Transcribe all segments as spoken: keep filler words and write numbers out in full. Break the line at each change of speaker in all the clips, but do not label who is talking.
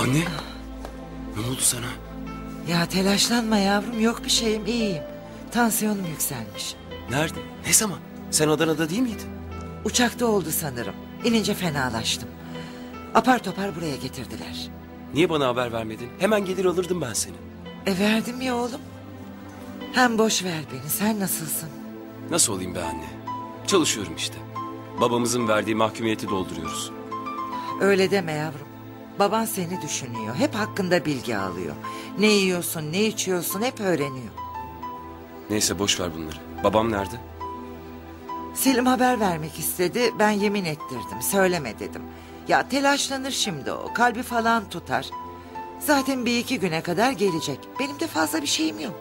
Anne, ne oldu sana?
Ya telaşlanma yavrum, yok bir şeyim, iyiyim. Tansiyonum yükselmiş.
Nerede? Ne zaman? Sen Adana'da değil miydin?
Uçakta oldu sanırım. İnince fenalaştım. Apar topar buraya getirdiler.
Niye bana haber vermedin? Hemen gelir alırdım ben seni.
E verdim ya oğlum. Hem boş ver beni, sen nasılsın?
Nasıl olayım be anne? Çalışıyorum işte. Babamızın verdiği mahkumiyeti dolduruyoruz.
Öyle deme yavrum. Baban seni düşünüyor. Hep hakkında bilgi alıyor. Ne yiyorsun, ne içiyorsun hep öğreniyor.
Neyse boş ver bunları. Babam nerede?
Selim haber vermek istedi. Ben yemin ettirdim. Söyleme dedim. Ya telaşlanır şimdi o. Kalbi falan tutar. Zaten bir iki güne kadar gelecek. Benim de fazla bir şeyim yok.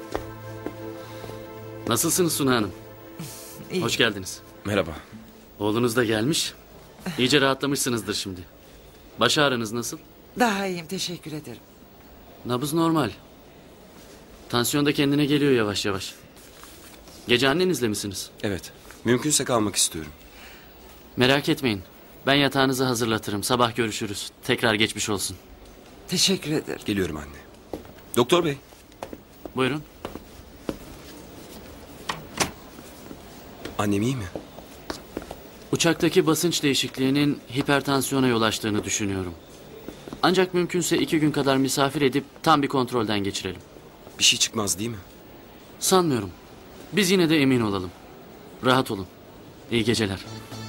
Nasılsınız Suna Hanım?
İyi.
Hoş geldiniz.
Merhaba.
Oğlunuz da gelmiş. İyice rahatlamışsınızdır şimdi. Baş ağrınız nasıl?
Daha iyiyim, teşekkür ederim.
Nabız normal. Tansiyon da kendine geliyor yavaş yavaş. Gece annenizle misiniz?
Evet. Mümkünse kalmak istiyorum.
Merak etmeyin. Ben yatağınızı hazırlatırım. Sabah görüşürüz. Tekrar geçmiş olsun.
Teşekkür ederim.
Geliyorum anne. Doktor bey.
Buyurun.
Annem iyi mi?
Uçaktaki basınç değişikliğinin hipertansiyona yol açtığını düşünüyorum. Ancak mümkünse iki gün kadar misafir edip tam bir kontrolden geçirelim.
Bir şey çıkmaz değil mi?
Sanmıyorum. Biz yine de emin olalım. Rahat olun. İyi geceler.